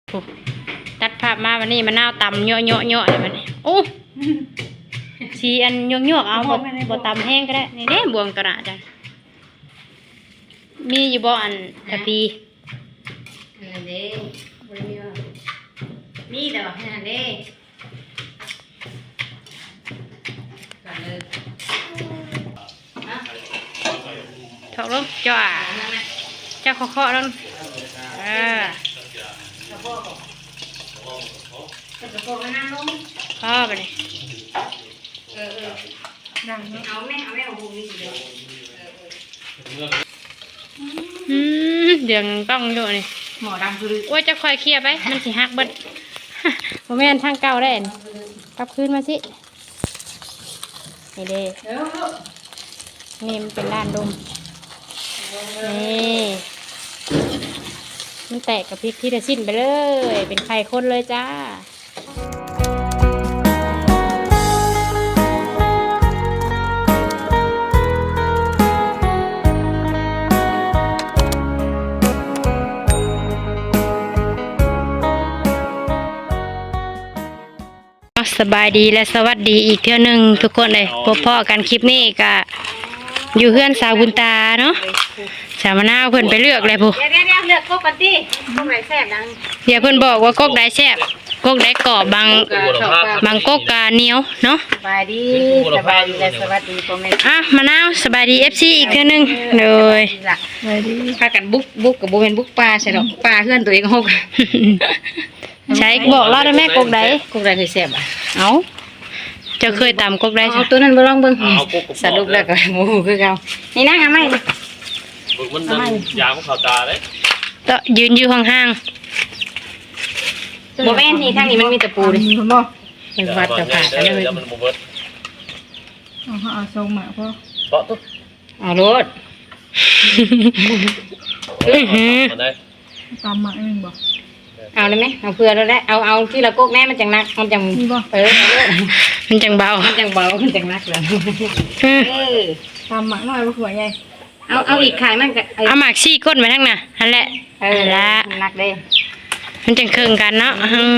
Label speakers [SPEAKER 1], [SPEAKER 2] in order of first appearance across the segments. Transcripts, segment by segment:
[SPEAKER 1] ตัดภาพมาวันนี้มะนาวตำเยอะเลยวันนี้โอ้สีอันเยอะเอาบดตำแห้งก็ได้นี่เด้บวงกระดาษจ้ะมีอยู่บ่อันตะปี
[SPEAKER 2] อันนี้มีแต่ว่าอันนี้ก่อนเลย
[SPEAKER 1] ถอกลงจ้าจ้าเคาะลง
[SPEAKER 2] กระโปรงมันนั่งลง
[SPEAKER 1] พ่อไปเลย
[SPEAKER 2] ดังเอาแม่เอาบุ้งนี่เดียว
[SPEAKER 1] เดี๋ยวต้องอยู่นี่
[SPEAKER 2] หมอดังคือ
[SPEAKER 1] ว่าจะคอยเคลียร์ไปมันสิหักเบิดผมแม่นทางเก่าได้กลับคืนมาสินี่เด้นี่มันเป็นด้านดมนี่มันแตกกับพริกที่จะสิ้นไปเลยเป็นไข่ข้นเลยจ้าสบายดีและสวัสดีอีกเที่ยวหนึ่งทุกคนเลยพบพ่อกันคลิปนี้ก็อยู่เพื่อนสาวบุญตาเนาะสาวมะนาวเพิ่นไปเลือกเลยผู้
[SPEAKER 2] เดี๋ยวเลือกกบกันดิกบไหนแซ่บดัง
[SPEAKER 1] เดี๋ยวเพิ่นบอกว่ากกได้แซ่บกกได้กรอบบางกกกาเหนียวเนาะ
[SPEAKER 2] สบายดีและสวัสดีพ่อแม่
[SPEAKER 1] มะนาวสบายดี FC อีกเที่ยวหนึ่งเลย
[SPEAKER 2] พากันบุกกับบุเป็นบุกปลาใช่หรอปลาเพื่อนตัวเองหก
[SPEAKER 1] ใช้บอกเล่าได้แม่กกได้
[SPEAKER 2] เคยแซ่บ
[SPEAKER 1] เอาจะเคยตำกกได้
[SPEAKER 2] เอาตัวนั้นไปลองเบิ่งสรุปแล้วก็หมูคือเก่านี่นะเอาไหม
[SPEAKER 3] มันยาวของเขาตาเลย
[SPEAKER 1] ต่อยืนอยู่ห่าง
[SPEAKER 2] ๆโบแม่นนี่ทางนี้มันมีตะปูดิคุณบ่เป็นวัดกับขากันเลย
[SPEAKER 3] มันโบเบิร์ต
[SPEAKER 4] เอาทรงมาพ่อ
[SPEAKER 3] เปาะตุ๊ก
[SPEAKER 2] เอารถ
[SPEAKER 4] ตามมาเองบ่
[SPEAKER 2] เอาเลยไหมเอาเพื่อเราได้เอาที่เราโกกแน่มันจังนักมันจัง
[SPEAKER 1] มันจังเบา
[SPEAKER 2] มันจังนักเลย
[SPEAKER 4] ตามมาหน่อยว่าหัวใหญ่
[SPEAKER 2] เอาอีกขายมันก็
[SPEAKER 1] เอาหมากซี่ก้นไปทั้งน่ะนั่นแหละ
[SPEAKER 2] ละนักเด้
[SPEAKER 1] มันจังเครื่องกันเนาะ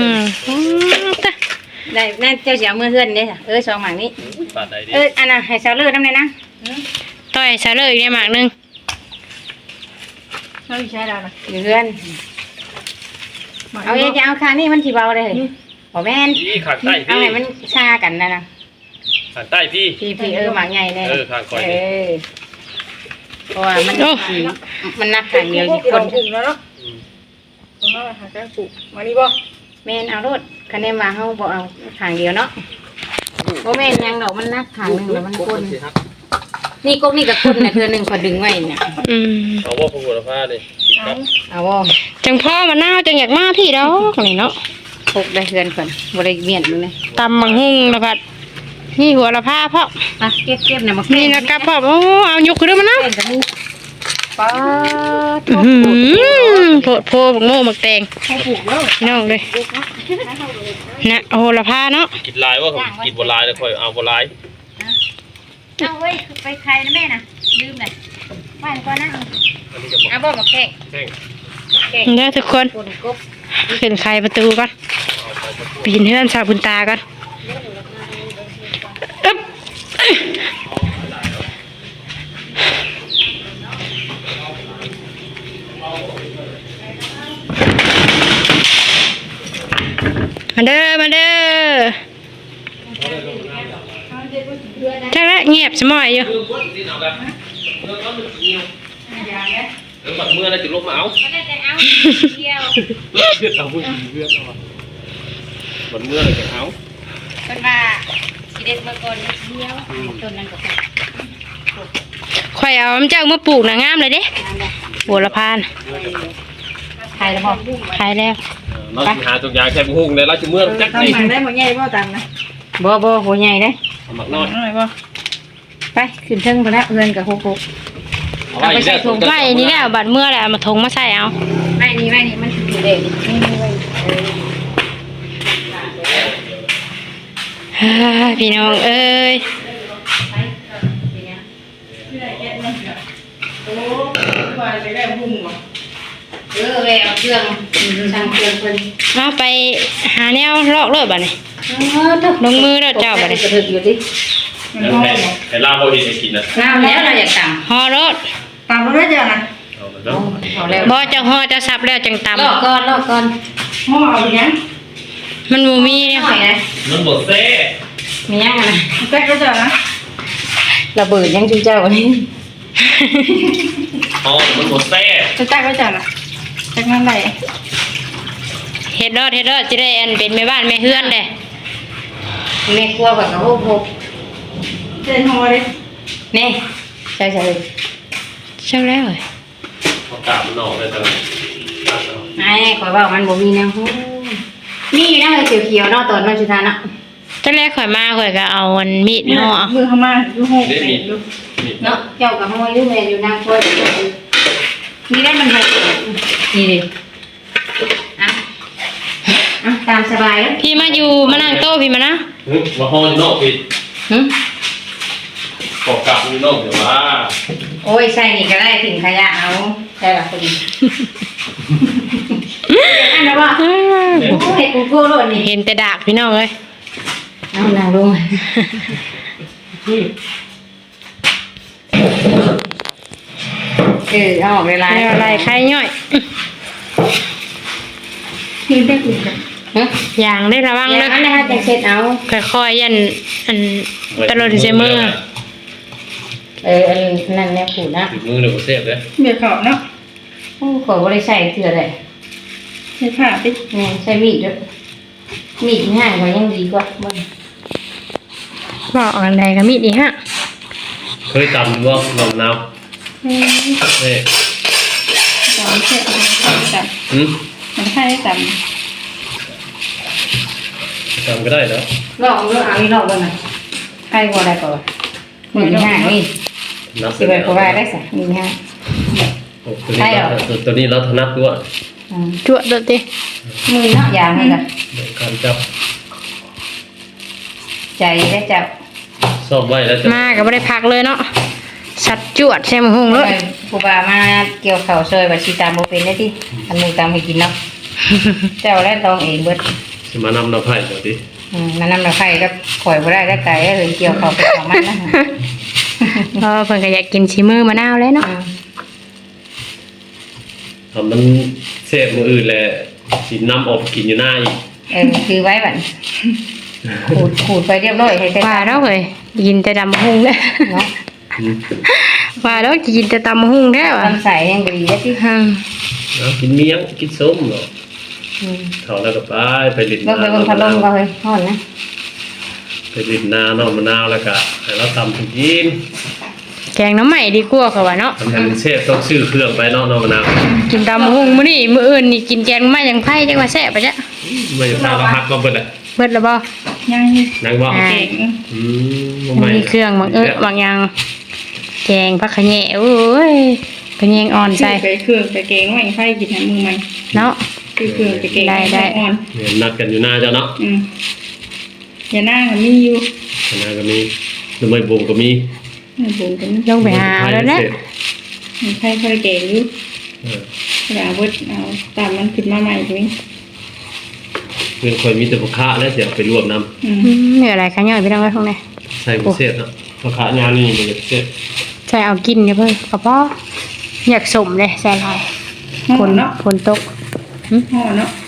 [SPEAKER 2] ได้แม่เจ้าเสียมือเพื่อนเด้ซองหมากนี้อันน่ะให้ซาเลือดน้ำเลยนะ
[SPEAKER 1] ต่อยซาเลือดอีกหมากนึง
[SPEAKER 4] เราใช้ได้ไหม
[SPEAKER 2] เพื่อนเอาจะเอาคานี่มันสีเบาเลยขอแม่นเอาไงมันชากันนะ
[SPEAKER 3] ขางใต้พี่
[SPEAKER 2] หมากใหญ่เลย
[SPEAKER 3] ขางคอย
[SPEAKER 2] เพราะว่ามันนักขางเดียว
[SPEAKER 4] คนถึงแล้วเนาะตรงนั้นหาแก้ปุมานี่บ่
[SPEAKER 2] แม่นเอารถคะแนนมาเขาบอกเอาขางเดียวเนาะโอ้แม่นยังดอกมันนักขางหนึ่งแล้วมันคนนี่ก๊กนี่กับคนนะเธอหนึ่งพอดึงไว้เนี่ย
[SPEAKER 3] เอาว่าพวกหัวผ้าเลย
[SPEAKER 2] เอาว่า
[SPEAKER 1] จังพ่อมาหน้าจังอยากมาพี่ดอกอะไรเนาะ
[SPEAKER 2] พกได้เพื่อนคนบริเวียนเลย
[SPEAKER 1] ตำมังหุ่งนะพัดนี่หัวละผ้าพ่อ
[SPEAKER 2] เก็บเนี่ยมา
[SPEAKER 1] นี่นะครับพ่อโอ้เอายกขึ้นมานะ
[SPEAKER 2] ป้า
[SPEAKER 1] โพบักโม่บักแตงน้องเลยนะโอ้ละผ้าเนาะ
[SPEAKER 3] กินลายว่ากินบนลายเลยค่อยเอาบนลาย
[SPEAKER 2] เอาเว้ยไปใครนะแม่น่ะลืมเลยไปก่อนนะเอาบอกมาแข่ง
[SPEAKER 1] เนี่ยทุกคนขึ้นใครประตูก่อนปีนเฮือนสาวบุญตาก่อนมาเด้อใช่แล้วเงียบสมอยอยู่
[SPEAKER 3] บัดเมื่อไรจะลบมาเอาบัดเมื่อไรจะเอา
[SPEAKER 2] เป็นว่าสีเด็ดเมื่อก่อนเดียวต้นนั้นก็
[SPEAKER 1] ข่อยเอาเจ้ามาปลูกหนังงามเลยเด้บัวละพาน
[SPEAKER 2] ไทยแล้วบอก
[SPEAKER 1] ไทยแล้ว
[SPEAKER 3] เราหาตัวอย่างแค่บุ้งเลยเราจะเมื่อจัก
[SPEAKER 4] นี่ได้หมดใหญ่บ่ตันนะ
[SPEAKER 2] บ่หัวใหญ่ได้
[SPEAKER 3] หมักน้อย
[SPEAKER 4] บ่
[SPEAKER 2] ไปขึ้นเทิงไปแล้วเงินกับโคก
[SPEAKER 1] เอาไปใส่ถุงไม้นี่แหละบัดเมื่อแหละมาถุงมาใส่เอา
[SPEAKER 2] ไม่นี่มันถือเด็ก
[SPEAKER 1] พี่น้องเอ้ย
[SPEAKER 4] โอ้ยไปได้หุ่งเหรอ
[SPEAKER 2] แววเครื่องสั่งเครื่องเพิ่น
[SPEAKER 1] เอาไปหาแนวลอกเลยบัดนี้ ลงมือแล้วเจ้าบัดนี้
[SPEAKER 2] กระถึกอยู่ดิ
[SPEAKER 3] แล้วให้ลาบ่เฮ็ดให้กินนะ
[SPEAKER 2] น้ำแล้วเราอยากต
[SPEAKER 1] ห่อรถ
[SPEAKER 4] ตามเราได้เจ้านะ
[SPEAKER 3] เอาแล้วเนาะ
[SPEAKER 2] ำพอแล้ว
[SPEAKER 1] บ่จะห่อจะสับแล้วจังตำ
[SPEAKER 2] ลอกก่อน
[SPEAKER 4] ห้องเอาไปยัง
[SPEAKER 1] มันบ่มีเนี่ย
[SPEAKER 2] หน่อยนะ
[SPEAKER 3] มันบ่แซ่
[SPEAKER 2] มียังนะ
[SPEAKER 4] แป๊กก็เจ้านะ
[SPEAKER 2] ระเบิดยังจุ๊เจ้าวันนี้
[SPEAKER 3] อ๋อมันบ่แซ่
[SPEAKER 4] จะแป๊กก็เจ้านะแป๊กนั่นไหน
[SPEAKER 1] เฮ็ดรอดสิได้อันเป็นแม่บ้านแม่เฮือนเด้
[SPEAKER 2] แม่ครัวแบบโอ้โห
[SPEAKER 4] เดินหัวเลย
[SPEAKER 2] นี่ใช่
[SPEAKER 1] ช่างแล้วเอ้ย
[SPEAKER 3] เอากาบมันออกได้จัง
[SPEAKER 2] ไอ้ขอยว่ามันบ่มีแนวหูนี่นะเขียวๆเนาะตอนน้องชุธาเนาะ
[SPEAKER 1] ตอนแรกข่อยมาข่อยก็เอาอันมีดห่อ
[SPEAKER 4] มือเข้ามาดูหก
[SPEAKER 3] นี่มี
[SPEAKER 4] ดู
[SPEAKER 3] นี่
[SPEAKER 2] เนาะเจ้ากับห้อยดูแม่อยู่นางครัวนี่ได้มันหกนี่ดิตามสบายแล้ว
[SPEAKER 1] พี่มาอยู่มานั่งโต๊ะพี่มานะ
[SPEAKER 3] ว่าห้องอยู่นอกพี่
[SPEAKER 2] หึ
[SPEAKER 3] กอกลับอยู่นอกเดี๋ยวว่า
[SPEAKER 2] โอ้ยใส่นี่ก็ได้ถึงขยะเอาใช่ละพอดีอันนั้นว่าโอ้ยกูโก้โลดนี่
[SPEAKER 1] เห็นแต่ดากพี่น้องเอ้ย
[SPEAKER 2] เอานางลงเอาออกเวลา
[SPEAKER 1] แล้วอะไรใครย่อย
[SPEAKER 4] ที่ได้กินกัน
[SPEAKER 1] อย่างได้ระวัง
[SPEAKER 2] อย่า
[SPEAKER 1] เด้
[SPEAKER 2] งนั้นนะคะจะเช็ดเอา
[SPEAKER 1] ค่อยๆยันอันตลอดเสมอ
[SPEAKER 2] อันนั้นแม่ผูนะ
[SPEAKER 3] ถึงมือเดี๋ยวบ่แซ่บเด้
[SPEAKER 4] เบียร์เขาเนาะ
[SPEAKER 2] โอ้ขอบ่ได้ใส่เถื่อเลย
[SPEAKER 4] ใช้ผ้าติ
[SPEAKER 2] นี่ใส่มีดด้วยมีดง่ายกว่ายังดีกว่าบ่
[SPEAKER 1] บอกอันใดก็มีดีฮะ
[SPEAKER 3] เคยตำบ่ลองนาวเอ้ย
[SPEAKER 4] ตามเช็ดจับ มันให้จับ
[SPEAKER 3] ตำก็ได้แล้ว
[SPEAKER 2] ลอกเอาอีกรอบบ่น่ะใครบ่ได้ก่อนมีง่ายนี่
[SPEAKER 3] นับ
[SPEAKER 2] สิไปบ่ได้ซะมีง่าย
[SPEAKER 3] ตัวนี้เราถนัดด้วย
[SPEAKER 1] จวดเด้อติ
[SPEAKER 2] มือเนาะอย่างนั้นน่ะ
[SPEAKER 3] การจับ
[SPEAKER 2] ใจได้จับ
[SPEAKER 3] ซอบไว้แล้วจะ
[SPEAKER 1] มาก็บ่ได้พักเลยเนาะสัดจวดใช่มั้ยหุงเลย
[SPEAKER 2] ครูบามาเกี่ยวข้าวซอยว่าสิตามบ่เป็นได้ติอันนึงตามให้กินเนาะเจ้าได้ต้องเองเบิด
[SPEAKER 3] สิมานำน้ำไผ่เดี๋ยวดิ
[SPEAKER 2] มันนำมาไฟก็ข่อยบ่ได้ไก่เลยเกี่ยวข้าวไปของมันนะ
[SPEAKER 1] เเพิ่นก็อยากกินชิมือมะนาวแล้วเนาะ
[SPEAKER 3] ทำมันเสพมืออื่นแหละสินำออกกินอยู่หน้าอีก
[SPEAKER 2] คือไว้บัดขูดไปเรียบร้อยให้ได้
[SPEAKER 1] ว่าแล้วเฮ้ยกินแต่ดำหุงเด้อ
[SPEAKER 2] เนาะ
[SPEAKER 1] ว่าแล้วกินแต่ตำหุงแท้ว่ะ
[SPEAKER 2] ทำใส่ยังบ่ดีได้ที่
[SPEAKER 1] ฮึ่ม
[SPEAKER 3] กินเมี่ยงกินส้มเนาะเขาแล้วก็ไปลิน
[SPEAKER 2] เบิ่งไปเบิ่งพัดลมก็เฮ้ยฮ้อนนะ
[SPEAKER 3] ไปลินนาเนาะมะนาวแล้วก็ให้เราตำกิน
[SPEAKER 1] แกงน้ำใหม่ดีกว่าเขาว่าเนาะ
[SPEAKER 3] ทำให้มันเสพต้องซื้อเครื่องไปเนาะมะนาว
[SPEAKER 1] กินตำหุงมื้อนี้มื้ออื่นนี่กินแกงไม่ยังไผจังว่าแซ่บปะจ๊ะ
[SPEAKER 3] ไม่ทางเราหักก็เบิดแหละ
[SPEAKER 1] เบิดแล้วบ่
[SPEAKER 4] ยัง
[SPEAKER 3] นังบ่
[SPEAKER 1] อ่า
[SPEAKER 4] เก่ง
[SPEAKER 3] ไม่
[SPEAKER 1] มีเครื่องบางอย่างแกงผักขะแยะโอ้ยขะแยงอ่อนใส่
[SPEAKER 4] ไปเครื่องไปเก่งไว้ให้กินให้มือมัน
[SPEAKER 1] เนาะ
[SPEAKER 4] คือเครื่องไปเก่ง
[SPEAKER 1] ได้
[SPEAKER 4] อ่อน
[SPEAKER 3] นัดกันอยู่หน้าเจ้าเนาะ
[SPEAKER 4] อย่านั่งมีอยู่
[SPEAKER 3] มะนาวก็มีหรือไม่บ่งก็มี
[SPEAKER 4] บุญกัน
[SPEAKER 1] ลงไปหาเอาแล้วนะ
[SPEAKER 4] มันใครเคยเก่งอยู่กระดาษบดเอาตามมันขึ้นมาใหม่ตรงนี้
[SPEAKER 3] เพื่อนคอยมีแต่พ่อค้าแล้วเดี๋ยวไปรวบน้
[SPEAKER 1] เหนื่อยอะไรคะย่อยพี่น้องไว้ตรงไหน
[SPEAKER 3] ำใส่บุเศษเนาะพ่อค้างานนี่มันจะเศษ
[SPEAKER 1] ใส่เอากินเนี่ยเพิ่นกระเพาะอยากสมเลยใส่ลาย
[SPEAKER 4] ห่
[SPEAKER 1] ฝ
[SPEAKER 4] อน เนาะ
[SPEAKER 1] ฝนตก
[SPEAKER 4] ห่อเนาะ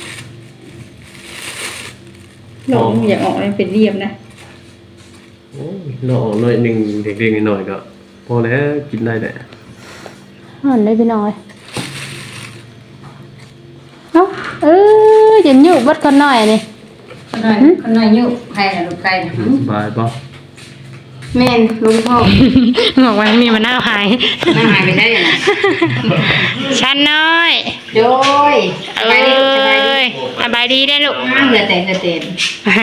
[SPEAKER 4] ลงอย่าออกเลยเป็นเรียบนะ
[SPEAKER 3] โอ้ยน้องหน่อยหนึ่งเด็กๆหน่อยก็พอแล้วกินได้แหละ
[SPEAKER 1] อ่อนได้พี่น้องเลยเนาะจะยุบเบัดคนหน่อยนี่
[SPEAKER 2] คนน้อยอยู่ให้ลูกไก่นะ
[SPEAKER 3] สบายป่ะ
[SPEAKER 2] แม่นลุงพ่อ
[SPEAKER 1] บอกว่ามีมะนาวหาย
[SPEAKER 2] น่าหายไปได้ยังไง
[SPEAKER 1] ชั้นน้อย
[SPEAKER 2] โดย
[SPEAKER 1] เอ้ยสบายดีได้อลูก
[SPEAKER 2] เหลือแต่เต็ม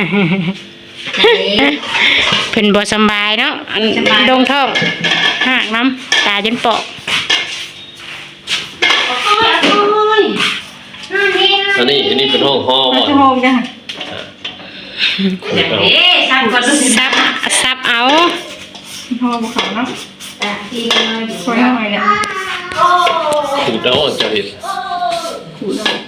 [SPEAKER 1] เพิ่นบ่สำบายเนาะอันดงท้องหากน้ำตาจนปอก
[SPEAKER 3] อันนี้เป็นห้องห่อบ่
[SPEAKER 4] ชั่วโมงจ้ะ
[SPEAKER 2] อย่างนี้สร้างก่อน
[SPEAKER 1] ซับเอา
[SPEAKER 4] ห่อภูเขาเนาะ
[SPEAKER 2] ที่
[SPEAKER 4] ช่วยหน่อยเนี่ย
[SPEAKER 3] ถูกแล้วจะเห็น
[SPEAKER 4] ขูดออก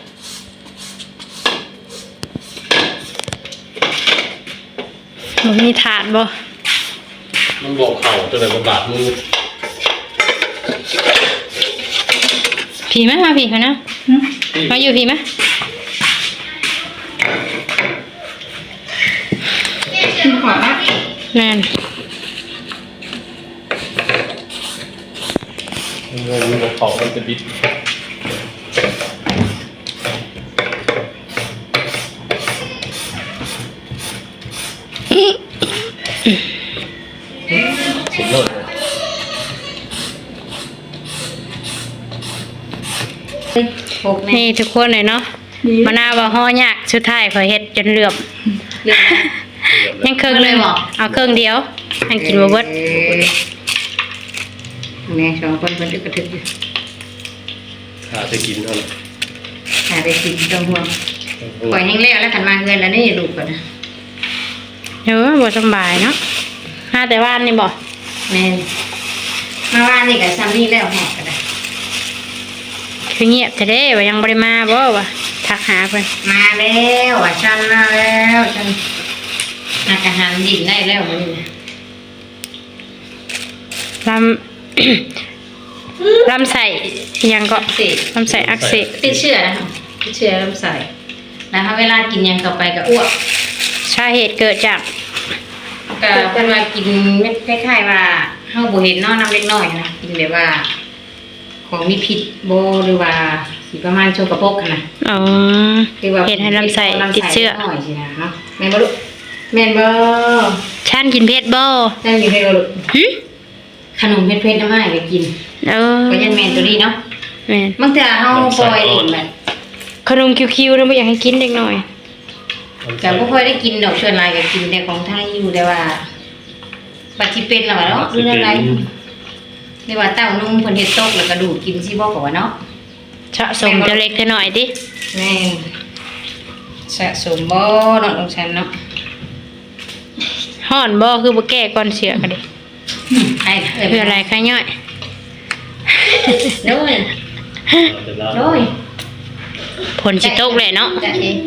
[SPEAKER 1] บ่มีถาดบ่
[SPEAKER 3] มันบอกเข่าจนไหนมันบาดมือ
[SPEAKER 1] ผีไหมมาผีเขานะมาอยู่ผีไหม
[SPEAKER 4] กินขวาละ
[SPEAKER 1] นั่น
[SPEAKER 3] มันบอกเข่ามันจะบิดสุดยอดเลย
[SPEAKER 2] หกแน่
[SPEAKER 1] นี่ทุกคนเลยเนาะมะนาวว่าห่อยากสุดท้ายขอยเฮ็ดจนเหลือบ
[SPEAKER 2] เรียบร้อย
[SPEAKER 1] ยังครึ่งเลยเอาครึ่งเดียวอันกินบ่เบิด
[SPEAKER 2] แม่สองคนคนอึกกระทึกอยู่
[SPEAKER 3] ขาจะกินเท่านั้น
[SPEAKER 2] หาได้กินต้องห่วงปล่อยแห้งแล้วแล้วขันมาเงินแล้วนี่ลูกก่อนนะ
[SPEAKER 1] เออบ่สำบายเนาะหาแต่ว่านนี่บ่
[SPEAKER 2] แม่มาว่านี่กับซัมนี่แล้วหอกกันนะ
[SPEAKER 1] คือเงียบแต่เด้ว่ายังบ่ได้มาบ่วะทักหาเพิ่น
[SPEAKER 2] มาแล้วอ่ะฉันมาแล้วฉันอาหารดินได้แล้วมันนะ
[SPEAKER 1] ลำ ลำไส้อิหยังก็
[SPEAKER 2] ติด
[SPEAKER 1] ลำไส้อักเสบ
[SPEAKER 2] ติดเชื้อนะคะติดเชื้อลำไส้นะคะเวลากินยังต่อไปก็อ้วก
[SPEAKER 1] สาเหตุเกิดจาก
[SPEAKER 2] ก็เป็นว่ากินเม็ดคล้ายๆว่าเฮาบ่เห็นเนาะน้ำเล็กน้อยนะกินแบบว่า ของมีพิษบ่หรือว่าสิประมาณโชกระปรกหั้นนะ
[SPEAKER 1] อ๋อ
[SPEAKER 2] คือว่า
[SPEAKER 1] เห็นให้ลำไส้ติดเชื้อ
[SPEAKER 2] หน่อยสินะเนาะแม่นบ่ลูกแม่นบ่
[SPEAKER 1] ฉันกินเผ็ดบ่
[SPEAKER 2] นั่นอยู่ให้บ่ลูก
[SPEAKER 1] หึ
[SPEAKER 2] ขนมเผ็ดๆน้ำอ้ายก็กิน
[SPEAKER 1] เออ
[SPEAKER 2] ก็ยังแม่นตัวนี้เนาะ
[SPEAKER 1] แม่น
[SPEAKER 2] บางเทื่อเฮาปล่อยเล่นแบบ
[SPEAKER 1] ขนมคิวๆนะบ่อยากให้กินเด็กน้อย
[SPEAKER 2] แต่บ่ค่อยได้กินดอกส่วนหลายก็กินแต่ของไทยอยู่แต่ว่าบัดสิเป็นแล้วว่าเนาะหรืออะไรหรือว่าเต้านมเพิ่นเฮ็ดตกแล้วก็ดูดกินสิบ่ก็ว่าเนาะ
[SPEAKER 1] สะสมจะเล็กจะหน่อยดิ
[SPEAKER 2] แม่นสะสมบ่เนาะของฉันเนาะ
[SPEAKER 1] ห่อนบ่คือบ่แก้ก่อนเสียก็ดิ
[SPEAKER 2] ไอ้เอ้ย
[SPEAKER 1] คืออะไรคะย่อย
[SPEAKER 2] โดยโดย
[SPEAKER 1] ผลสิตกเลยเนาะ
[SPEAKER 2] จ้ะเอง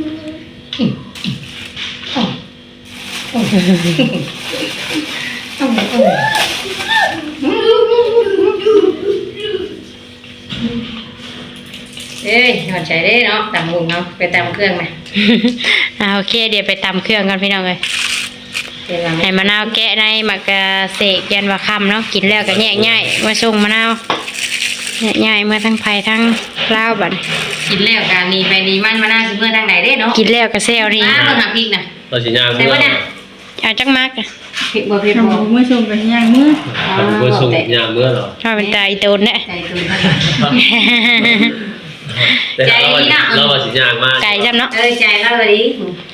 [SPEAKER 2] เอ้ยหอนใจเด้เนาะตำหุงเนาะไปตำเครื่องไหม
[SPEAKER 1] โอเค เดี๋ยวไปตำเครื่องกันพี่น้องเลย
[SPEAKER 2] เดี๋ยวเรา
[SPEAKER 1] ให้มะนาวแกะในหมักกะเสกยันว่าคำเนาะกินแล้วก็แยกง่ายมาส่งมะนาวแยกง่ายเมื่อทั้งไผ่ทั้งลาวบัด
[SPEAKER 2] กินแล้วการนีไปนีมันมาหน้าสิเมื่อทางไหนเด้เนาะ
[SPEAKER 1] กินแล้วก็เซลนี่
[SPEAKER 2] มาเบิ่งหาพริกนะ
[SPEAKER 3] เราสิย่าง
[SPEAKER 2] ใส่บ่น่ะ
[SPEAKER 1] เอาจักมักอะ
[SPEAKER 2] พริกบ่พริก
[SPEAKER 4] ทำ
[SPEAKER 2] บ่
[SPEAKER 4] เมื่อชมกันย่างเมื่อ
[SPEAKER 3] เมื่อส่งย่างเมื่อเหรอ
[SPEAKER 1] ถ้าเป็นตาอีโตนเนี่ย
[SPEAKER 2] ใจตุนเท่าไหร่
[SPEAKER 3] แต่เราว่าสิย่างมาก
[SPEAKER 1] ไก่จำเนาะ
[SPEAKER 2] ใจเราเลยดิ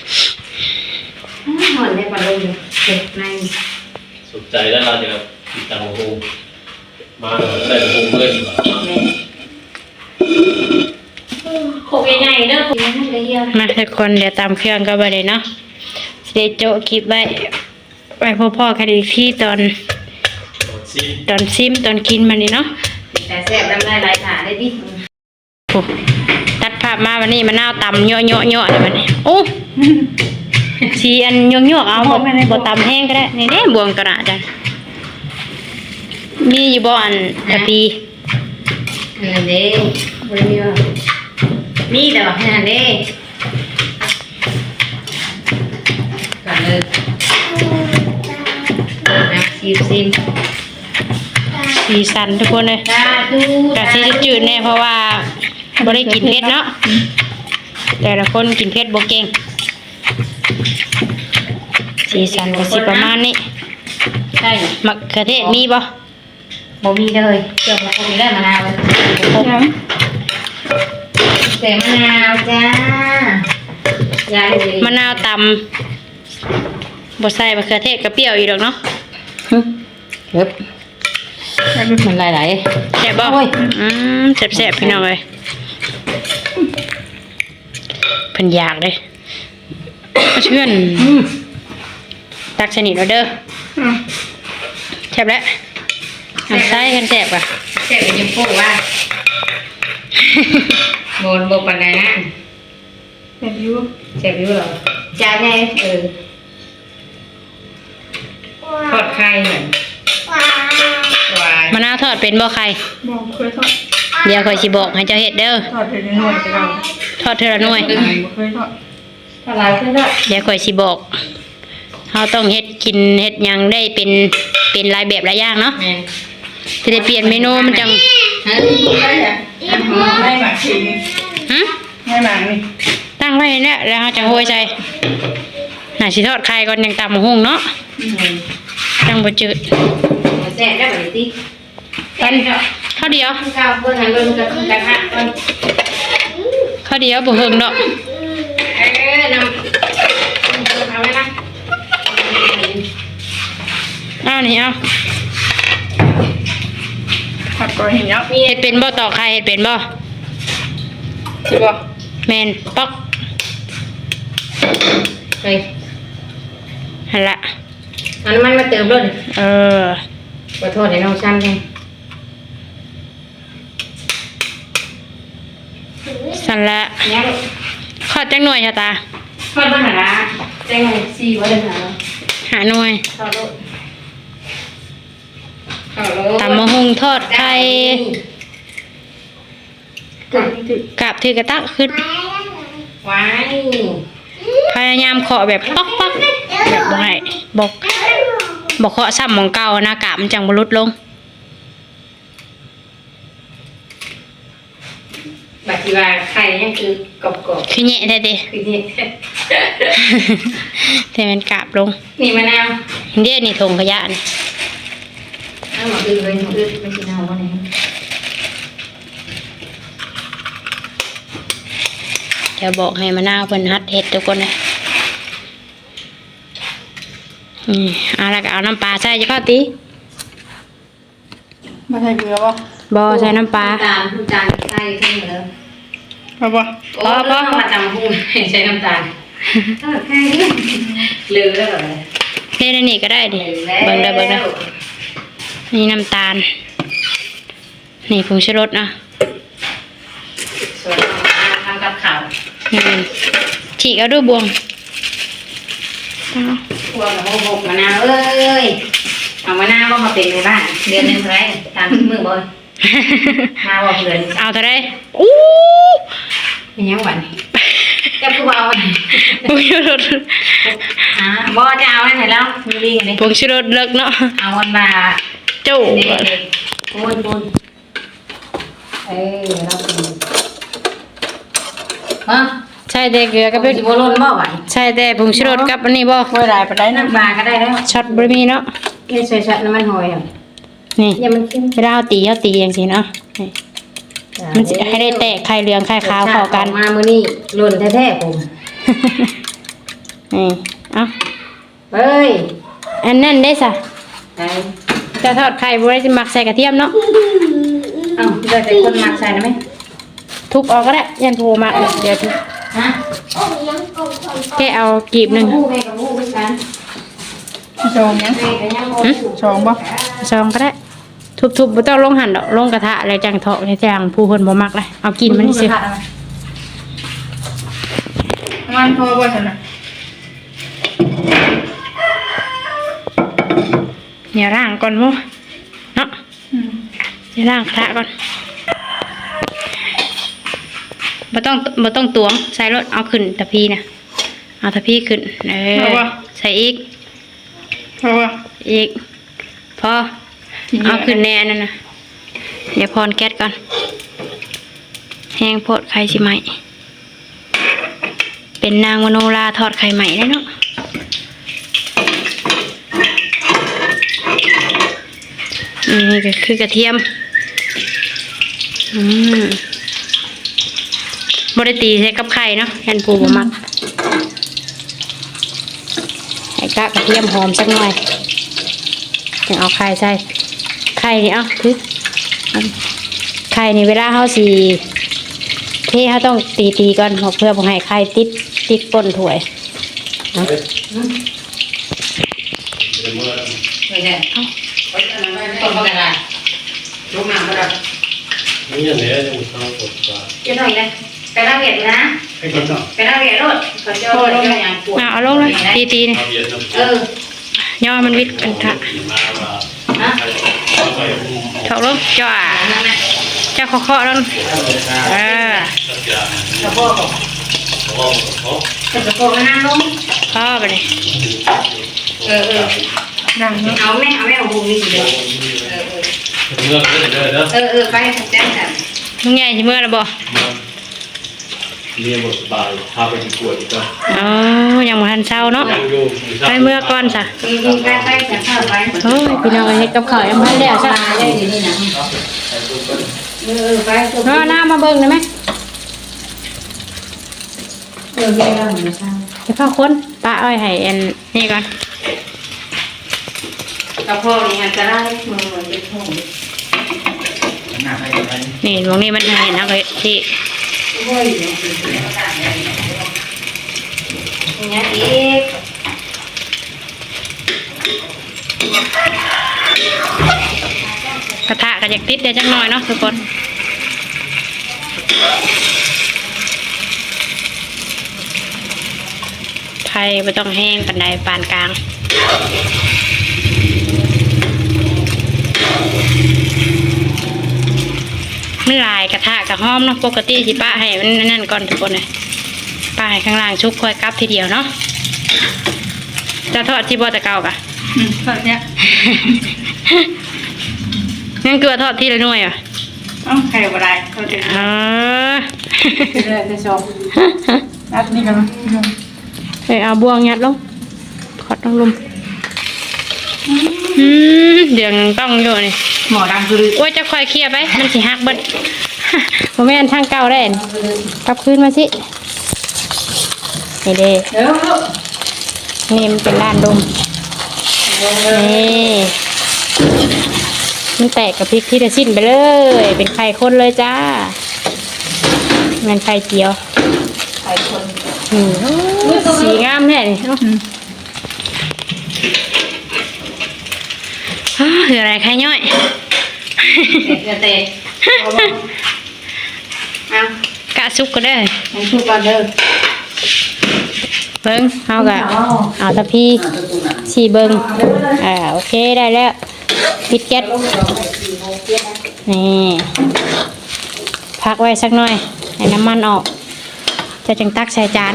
[SPEAKER 2] หอนได้ปลาลงเจ็บใน
[SPEAKER 3] สุขใจแล้วเราจะติดตามโฮมมาได้โฮมเมื่อดีกว่า
[SPEAKER 2] โคกใหญ่ๆเด้อโคกใหญ่ๆเลยเฮีย
[SPEAKER 1] มาทุกคนเดี๋ยวตำเครื่องก็ไปเลยเนาะสิได้โจะคลิปไว้พ่อๆกันอีกที่ตอนซิมตอนกินมันนี่เนาะ
[SPEAKER 2] แต่แซ่บน้ำลายไหลขาได้ดิ
[SPEAKER 1] โอ้ตัดภาพมาวันนี้มะนาวตำเยอะๆเลยวันนี้โอ้สีอันเยอะๆเอาบ่ตำแห้งก็ได้นี่เด้บวงกระดาษจ้ะมีอยู่บ่อันตะปี
[SPEAKER 2] นั่นเด้บ่ได้มีว่านี่แต่ว่านั่นเด้ก่อนเลยนะซิม
[SPEAKER 1] สีสันทุกคนเลย
[SPEAKER 2] สาธุ
[SPEAKER 1] กะสีจืดๆแน่เพราะว่าบ่ได้กินเผ็ดเนาะแต่ละคนกินเผ็ดบ่เก่งสีสันก็สิประมาณนี้
[SPEAKER 2] ใช่
[SPEAKER 1] มะเขือเทศมีบ่
[SPEAKER 2] บ่มีเลยเกี่ยวกับพวกนี้ได้มะนาวเลย แต่มะนาวจ้ายายเลย
[SPEAKER 1] มะนาวตำบ่ใส่มะเขือเทศก็เปรี้ยวอยู่ดอกเนาะ
[SPEAKER 2] เฮ้ยมันไหล
[SPEAKER 1] แซ่บบ่
[SPEAKER 2] โอ้ย
[SPEAKER 1] แซ่บๆพี่น้องเอ้ยเพิ่นอยากเลยเชื่อนตักสนิทเอาเด้อแซ่บแล้วเอาใส่กันแซ่บอ่ะ
[SPEAKER 2] ๆแต่เป็นยังพูดว่าโบปันใดนะ
[SPEAKER 4] แบบอยู่
[SPEAKER 2] เจ็บอยู่หรอจานไงทอดไข่เหมือนวาย
[SPEAKER 1] มะนาวทอดเป็นบ่ใคร
[SPEAKER 4] บอกเคยทอด
[SPEAKER 1] เดี๋ยวข่อยสิบอกให้เจ้าเฮ็ดเด้อ
[SPEAKER 4] ทอดเป็นหน่วยจะเรา
[SPEAKER 1] ทอดเทอละหน่วย
[SPEAKER 4] บ่เคยทอด
[SPEAKER 2] ทอดลายเพื่อนด้วย
[SPEAKER 1] เดี๋ยวข่อยสิบอกเฮาต้องเฮ็ดกินเฮ็ดหยังได้เป็นหลายแบบหลายอย่างเนาะ
[SPEAKER 2] แม่น
[SPEAKER 1] สิได้เปลี่ยนเมนูมันจัง
[SPEAKER 2] ฮะได้จ้ะ
[SPEAKER 4] ให้หมากทีนี่
[SPEAKER 1] หึ
[SPEAKER 4] ให้หมากนี่
[SPEAKER 1] ตั้งไว้เนี่ยแล้วเฮาจังโหยใส่น่าสิทอดไข่ก่อนยังตำหุ่งเนาะจังบ่จืด
[SPEAKER 2] แซ่บได้แบบนี้
[SPEAKER 1] ปันข้าวเดียว
[SPEAKER 2] ข้าวเพื่อนหันเบิ่งกับกระทะมัน
[SPEAKER 1] ข้าวเดียวบ่เฮิงดอก
[SPEAKER 2] นำเอาไว้นะ
[SPEAKER 1] อ้าวนี่เอา
[SPEAKER 4] ทอดก่อนเห็นเนาะ
[SPEAKER 1] เฮ็ดเป็นบ่ตอกไข่เฮ็ดเป็นบ่
[SPEAKER 4] สิบ่
[SPEAKER 1] แม่นป๊อก
[SPEAKER 2] ไป
[SPEAKER 1] หั่นละ
[SPEAKER 2] เอาน้ำมันมาเติมด้วย
[SPEAKER 1] เออ
[SPEAKER 2] ขอโทษให้น้องซ้ำเลย
[SPEAKER 1] สั่นละ
[SPEAKER 2] เนี่ย
[SPEAKER 1] ขอดจังหน่วยชะตา
[SPEAKER 2] ทอดบ้านหาละแจ้งซีว่าเดินหา
[SPEAKER 1] หาหน่วย
[SPEAKER 2] ข้าวโลดข้าวโลด
[SPEAKER 1] ตำมะฮุงทอดไข่
[SPEAKER 4] ก่อนที่
[SPEAKER 1] กาบถือกระตักขึ้น
[SPEAKER 2] ไว้
[SPEAKER 1] พยายามเคาะแบบป๊อกป๊อกแบบบ่ให้บอกเคาะซ้ำหมองเก่านะกาบมันจังบ่ลดลง
[SPEAKER 2] บัดทีว่าไข่ยังคือกรอบ
[SPEAKER 1] คือแหะแท้
[SPEAKER 2] ๆคือนี่
[SPEAKER 1] ๆแต่มันกาบลง
[SPEAKER 2] นี่มะนาว
[SPEAKER 1] เดี๋ยวนี่ถุงขยะนี่
[SPEAKER 2] เอาหมดอื่นเลยหมดอื่นไม่ใช่น้ำวันนี้
[SPEAKER 1] เดี๋ยวบอกให้มะนาวเพิ่นฮัดเฮ็ดทุกคนนะเอาแล้วก็เอาน้ำปลาใส่จะพอติ
[SPEAKER 4] มาใส่เกลือบ่
[SPEAKER 1] บ่ใส่น้ำปลา
[SPEAKER 2] น้ำตาลใส่ทั้งหมดเลย
[SPEAKER 4] เอาบ่
[SPEAKER 2] โอ้แล้วมาจำพูดใช้น้ำตาลแค่นี้ลืมแล้วเหรอ
[SPEAKER 1] เทในนี่ก็ได้ดิเบิ่งได้นี่น้ำตาล นี่ผงชูรสนะ
[SPEAKER 2] ส่วนทำกับข้าว
[SPEAKER 1] นี่ฉีกเอาด้วยบวงเอา
[SPEAKER 2] พวกกับพวกมะนาวเอ้ยเอามะนาวมาเป็นในบ้านเดือนหนึ่งเท่าไรตามมือบ่อยมาบอกเดือน
[SPEAKER 1] เอาเท่าไรอู้
[SPEAKER 2] เป็นยังหวันจะพูดเอาไว้
[SPEAKER 1] ผงชูรส
[SPEAKER 2] บ่จะเอาไว้ไหนแล้วมีดีกันดิ
[SPEAKER 1] ผงชูรสเลิกเนาะ
[SPEAKER 2] เอาวันมา
[SPEAKER 1] จู้
[SPEAKER 2] ปูนเราเป็นฮะ
[SPEAKER 1] ใช่แต่เกลือก็เป็น
[SPEAKER 2] สิบโลนบ่ไหว
[SPEAKER 1] ใช่แต่ผงชูรสกับอันนี้บ่
[SPEAKER 4] ค่อยหลายไปได้นะ
[SPEAKER 2] น้ำปลาก็ได้แล้ว
[SPEAKER 1] ช็อตบะหมี่เนาะ
[SPEAKER 2] นี่ใส่ช็อตน้ำมันหอยอ่ะ
[SPEAKER 1] นี่
[SPEAKER 2] อย่ามันขึ้น
[SPEAKER 1] เวลาเอาตีอย่างสิเนาะนี่มันสิให้ได้แตกไข่เหลืองไข่ขาวเข้ากัน
[SPEAKER 2] มามื้อนี้หล่นแท้ๆผม
[SPEAKER 1] นี่เอา
[SPEAKER 2] เฮ้ย
[SPEAKER 1] อันนั้นได้สะ
[SPEAKER 2] ไอ้
[SPEAKER 1] จะทอดไข่บ่ได้สิมักใส่กระเทียมเนาะ
[SPEAKER 2] เอ้าเดี๋ยวแต่คนมักใส่ได้ไหม
[SPEAKER 1] ทุบออกก็ได้ยันโทรมาเดี๋ยวทุบ
[SPEAKER 2] ฮะ
[SPEAKER 1] แค่เอากีบหนึ่ง
[SPEAKER 2] แม่กับลูกด้วยกัน
[SPEAKER 4] ชองยัง
[SPEAKER 2] แม่กับยังบ่ลูก
[SPEAKER 4] ชองบ่
[SPEAKER 1] ซองก็ได้ ทุบๆบ่ต้องลงหั่นดอกลงกระทะแล้วจังเถาะในจังผู้เพิ่นบ่มักเลยเอากินมันสิ
[SPEAKER 4] มันพอบ่ซั่นน่ะ
[SPEAKER 1] เนี่ยร่างก่อนบ่เนาะเนี่ยร่างกระทะก่อนบ่ต้องตวงใส่รถเอาขึ้นตะพีนะเอาตะพีขึ้นใส่อีก
[SPEAKER 4] พอบ่
[SPEAKER 1] อีกพอเอาขึ้นแน่นั่นนะเดี๋ยวพรแก๊สก่อนแห้งโพดไข่สิไหมเป็นนางมโนราทอดไข่ใหม่ได้เนาะนี่ก็คือกระเทียมบริตีใส่กับไข่เนาะแทนปูบ่มักใส่กระเทียมหอมสักหน่อยถึงเอาไข่ใส่ไข่นี่เอาคือไข่นี่เวลาเขาสีเทเขาต้องตีก่อนเพื่อบ่ให้ไข่ติดก้นถ้วยเนาะ
[SPEAKER 2] ไม่ได้ต้มปลากระดาษลูกน้ำก็ได้
[SPEAKER 3] นี่อย่างนี้จะมีข้าวสดปลา
[SPEAKER 2] จะหน่อยเลยไปรับเวียดนะ
[SPEAKER 3] ให้คนเนาะ
[SPEAKER 2] ไปรับเวียดรถเขาเจ้าเจ้าอย่างปวด
[SPEAKER 1] เอาลงเลยตีนี่
[SPEAKER 3] เอาเย็นน้ำ
[SPEAKER 1] ย่อมันวิดกันค่ะ
[SPEAKER 2] ฮะ
[SPEAKER 1] ถอกลงจ่อ
[SPEAKER 2] นั่นน่ะ
[SPEAKER 1] เจ้าเคาะๆแล้วเออก
[SPEAKER 2] ระโปงกระโปงนั่งลง
[SPEAKER 1] เคาะไปเลย
[SPEAKER 4] ดังเนาะ
[SPEAKER 2] เอาแม่เอาหูนี่เดียวไปแจ้งกัน
[SPEAKER 1] ลุงใหญ่สิเมื่อแล้วบ่
[SPEAKER 3] เรียนบทบาทพาไปดีกว่าดีกว่า
[SPEAKER 1] อ๋อยังบ่ทันเช้าเนาะ
[SPEAKER 3] ยังอยู่
[SPEAKER 1] ไปเมื่อก่อนจ้ะ
[SPEAKER 2] ไปจะเข้าไป
[SPEAKER 1] โอ้ยพี่น้องเฮ็ดกับข้าวยังบ่ทันแล้วจ้ะ
[SPEAKER 2] ได้ดีนี่นะไป
[SPEAKER 1] น้ามาเบิ่งได้ไหม
[SPEAKER 2] แม่เราเหมือนกัน
[SPEAKER 1] เดี๋ยวเข้าคนป้าอ้อยให้อันนี่ก่อน
[SPEAKER 2] กระเพาะนี่มันจะได้มือเหมือนเป็นห่วง
[SPEAKER 1] นี่ตรงนี้มันเห็นเอาไปที่
[SPEAKER 2] ห้อยอยู่เนี่ยอีก
[SPEAKER 1] กระทะก็อยากติดได้จักหน่อยเนาะทุกคนไทยไม่ต้องแห้งปานใดปานกลางมันลายกระทะกับหอมเนาะปกติสิป้าให้มันนั่นก่อนทุกคนเลยป้าให้ข้างล่างชุบค่อยกลับทีเดียวเนาะจะทอดที่บ่ตะเกากะ
[SPEAKER 4] ตอนเนี้ย
[SPEAKER 1] งั้นเกลือทอดที่ละหน่วยอ่ะ
[SPEAKER 4] ไข่บ่ได้เขาจะ
[SPEAKER 1] อ๋อ
[SPEAKER 4] เลยจะชมนัดนี่กัน
[SPEAKER 1] เอาบวงยัดลงขอดลงลุมเดี๋ยวต้องอยู่นี่
[SPEAKER 4] หมอดังคือ
[SPEAKER 1] โอ้ยจะคอยเคลียร์ไปมันสิหักเบิดผมไม่อันช่างเก่าได้อันกลับคืนมาสินี่เด้
[SPEAKER 4] เดี๋ยวลูก
[SPEAKER 1] นี่มันเป็นด้านดมนี่มันแตกกับพริกที่จะชิ้นไปเลย เป็นไข่ข้นเลยจ้ามันไข่เจียว
[SPEAKER 2] ไข่คน
[SPEAKER 1] สีงามแน่นี่เนาะคืออะไรไข่ย่อย
[SPEAKER 2] เตะเอา
[SPEAKER 1] กะซุกก็ได้
[SPEAKER 2] ให้ชูก่อนเด้อ
[SPEAKER 1] เบิ้งเอากะเอาตะพีสี่เบิ้งโอเคได้แล้วปิดแก๊สนี่พักไว้สักหน่อยให้น้ำมันออกจะจึงตักใส่จาน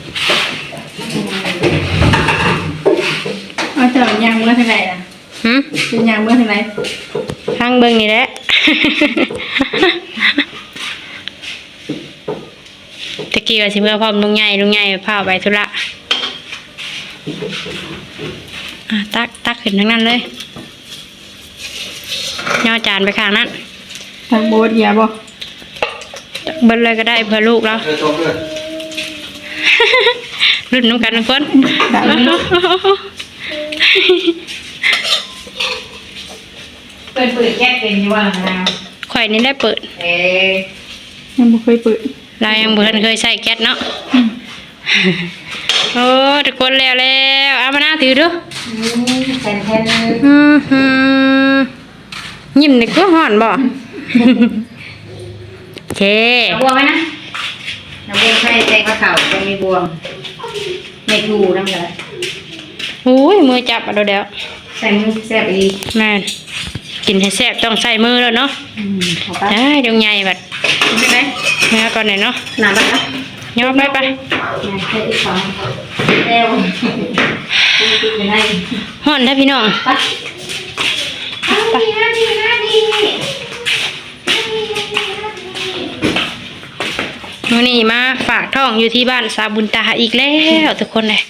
[SPEAKER 4] เอาเจาะยางเมื่อเท่าไหร่ล่ะ เป็นยางเมื่อเท่าไหร่
[SPEAKER 1] ข้างเบิ้งนี่แหละ ตะกี้ว่าสิเมื่อพร้อมลุงใหญ่พาไปธุระตักขึ้นทั้งนั้นเลยย่อจานไปข้างนั้น
[SPEAKER 4] ทางโบสอย่าบ่
[SPEAKER 1] เบิ้ลเลยก็ได้เพื่อลูกเรารุ่นน้ำกันทุกคน
[SPEAKER 4] ดังลูก
[SPEAKER 2] เปิดแก๊สเป็นอยู่ว่านะ
[SPEAKER 1] ข่อยนี่ได้เปิด
[SPEAKER 4] ยังบ่เคยเปิด
[SPEAKER 1] เรายังเพิ่นเคยใส่แก๊สเนาะโอ้ทุกคนแล้วเอามาหน้าถือดู
[SPEAKER 2] แทน
[SPEAKER 1] ยิ้มนี่ก็ห่อนบ่โอเค
[SPEAKER 2] เอาบวงไหมนะเอาบวงใส่ใส่ข้าวขาวตรงมีบวงไม่ถูน้ำเลย
[SPEAKER 1] โอ้ยมือจับอ่ะเดี๋ยว
[SPEAKER 2] ใส่มือแซ่บอีก
[SPEAKER 1] แม่นกินให้แซ่บต้องใส่มือแล้วเนาะ
[SPEAKER 2] ขอไป
[SPEAKER 1] ได้ดวงใหญ่บัด
[SPEAKER 2] ใช่ไหม
[SPEAKER 1] เมื่อก่อนหน่อยเนาะ
[SPEAKER 2] หนาบ้างนะ
[SPEAKER 1] ย่อไป
[SPEAKER 2] ใส่อีกสองเร็วไปไหน
[SPEAKER 1] ห่อนถ้าพี่น้อง
[SPEAKER 2] ไปดี
[SPEAKER 1] มื้อนี้มาฝากท้องอยู่ที่บ้านสาบุญตาอีกแล้วทุกคนเลย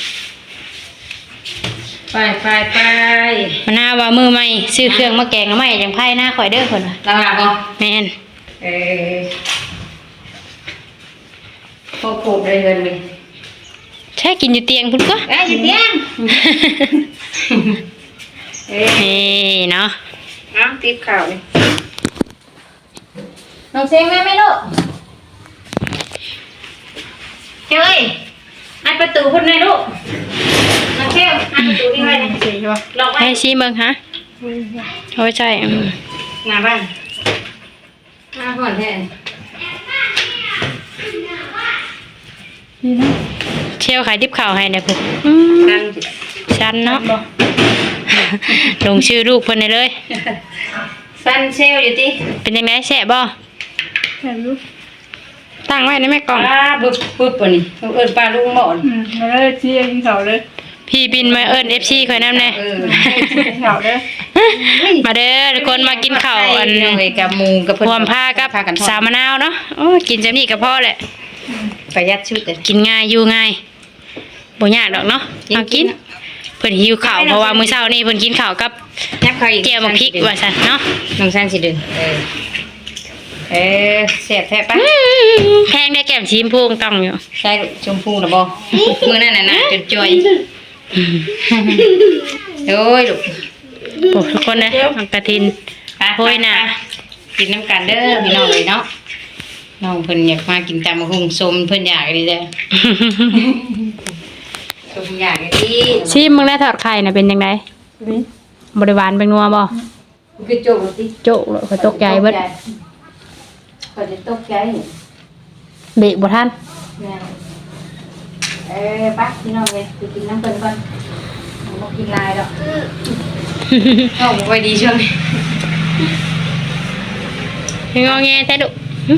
[SPEAKER 2] ไป
[SPEAKER 1] มาหน้าว่ามือใหม่ซื้อเครื่องมาแกงแล้วใหม่จังไพ่หน้าข่อยเด้อคนว่ะ
[SPEAKER 2] ลาบอ่ะ
[SPEAKER 1] แม่น
[SPEAKER 2] โคโค่ได้เงินเลย
[SPEAKER 1] ใช่กินอยู่เตียงพุ่นก็
[SPEAKER 2] หยุดยัง
[SPEAKER 1] นี่เนาะ
[SPEAKER 2] น้ำติ๊บข่าวเลยน้องเซงแม่ไม่ลูกเฮ้ยอัดประตูคนไหนลูกน้องเซลอัดประตูที่ไว้นะล็อกไว้
[SPEAKER 1] ให้ซีเบิ่งฮะโอ้ยใช่
[SPEAKER 2] หน้าบ้านหน้าห่อนแท้
[SPEAKER 4] นี่นะ
[SPEAKER 1] เชี่ยวขายทิพข่าวให้เนี่ยเพิ่น
[SPEAKER 2] นั่ง
[SPEAKER 1] ชันเนาะลงชื่อลูกเพิ่นได้เลย
[SPEAKER 2] ฟันเซลอยู่ติ
[SPEAKER 1] เป็นยังไงแซ่บบ่
[SPEAKER 4] แค่รู้
[SPEAKER 1] ตั้งไว้ในแม่กล่อง
[SPEAKER 2] ปึ๊บปะนี่เอิ้นปลาลุงหมอน
[SPEAKER 4] แล้วก็เชียร์กินเขาเลย
[SPEAKER 1] พี่บินมาเอิ้น FC ข่อยนำแน่
[SPEAKER 4] กินเขาเลย
[SPEAKER 1] มาเด้อทุกคนมากินข้าวอัน
[SPEAKER 2] เอ้ยกับหมูกับเพิ่น
[SPEAKER 1] รวมผ้ากับ
[SPEAKER 2] พากันทอด
[SPEAKER 1] สาวมะนาวเนาะโอ้ยกินจำนี่ก็พอแหละ
[SPEAKER 2] ประหยัดชุดเลย
[SPEAKER 1] กินง่ายอยู่ง่ายบ่ยากดอกเนาะเอากินเพิ่นหิวข้าวเพราะว่ามื้อเช้านี้เพิ่นกินข้าวกับ
[SPEAKER 2] ยับเขาอีก
[SPEAKER 1] แก้วมะพริกว่าซั่นเนาะ
[SPEAKER 2] น้องซันสิดึงแซ่บแท้ปะ
[SPEAKER 1] แพงได้แก้มชีมพูงต้องอยู่
[SPEAKER 2] ใช่ชมพูน่ะบ่มื้อนั้นน่ะจนจ่อยโอ้ยลูก
[SPEAKER 1] โอ้ทุกคนเลยน้องกระทิน โอ้ยน่ะ
[SPEAKER 2] กินน้ำกันเด้อพี่น้องเลยเนาะน้องเพิ่นอยากมากินตำมะฮุ่งสมเพิ่นอยากดีเด้อสมอยากดี
[SPEAKER 1] ชิมมึงได้ทอดไข่น่ะเป็นจังได
[SPEAKER 4] นี่
[SPEAKER 1] บริวารเป็นนัวบ่
[SPEAKER 2] คือโจกติ
[SPEAKER 1] โจ๊ะเลยข่อยตกใจเบิด
[SPEAKER 2] ก็จะตกใจ
[SPEAKER 1] เบรกบ่ทัน
[SPEAKER 2] แม่ปักพี่น้องเลยไปกินน้ำเพิ่นก่อนบ่กินลายดอกเข้าบ่ค่อยดีช่วงนี้
[SPEAKER 1] งอแงแท้ดุ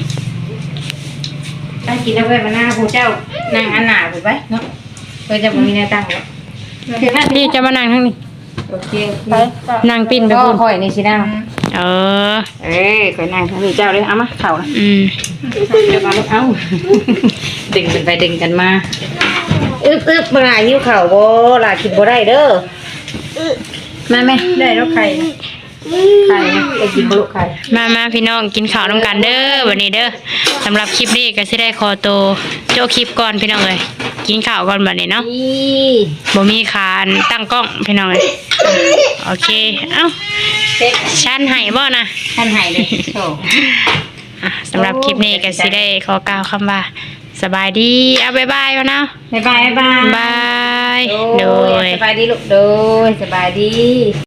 [SPEAKER 2] ถ้ากินแล้วเพิ่นมาหน้าผู้เจ้านั่งอันหน้าผู้ไปเนาะเพิ่นจะบ่มีแนวตั้งหรอกคือว่า
[SPEAKER 1] พี่จะมานั่งทางนี้
[SPEAKER 2] โอเค
[SPEAKER 4] ไป
[SPEAKER 1] นั่งปิ้นไป
[SPEAKER 2] ก็
[SPEAKER 1] พุ่น
[SPEAKER 2] ค่อยนี่สินั่ง
[SPEAKER 1] เออ
[SPEAKER 2] ค่อยนั่งทางนี้เจ้าเลยเอามาเข้านะ
[SPEAKER 1] อืม
[SPEAKER 2] เดี๋ยวมาลูกเอ้าดึงกันไปดึงกันมาอึบบ่หลายหิวข้าวบ่หลายกินบ่ได้เด้อมาแม่
[SPEAKER 4] ได้แล้วไข่
[SPEAKER 2] ไข่นะไปกินบ่ลูกไข่
[SPEAKER 1] มาพี่น้องกินข้าวน้ำกันเด้อวันนี้เด้อสำหรับคลิปนี้ก็สิได้ขอตัวโจคลิปก่อนพี่น้องเอ้ยกินข้าวก่อนบัดนี้เนาะ
[SPEAKER 2] นี่
[SPEAKER 1] บ่มีคานตั้งกล้องพี่น้องเอ้ยโอเคเอ้า
[SPEAKER 2] เซ็ต
[SPEAKER 1] ชั้นให้บ่นะ
[SPEAKER 2] ท่านให้เลยโธ่
[SPEAKER 1] สำหรับคลิปนี้ก็สิได้ขอกล่าวคำว่าสบายดีเอาบ๊ายบายวะนะ
[SPEAKER 2] บ๊ายบาย
[SPEAKER 1] บาย
[SPEAKER 2] โด
[SPEAKER 1] โด
[SPEAKER 2] ย
[SPEAKER 1] ย
[SPEAKER 2] สบายดีลูกโดยสบายดี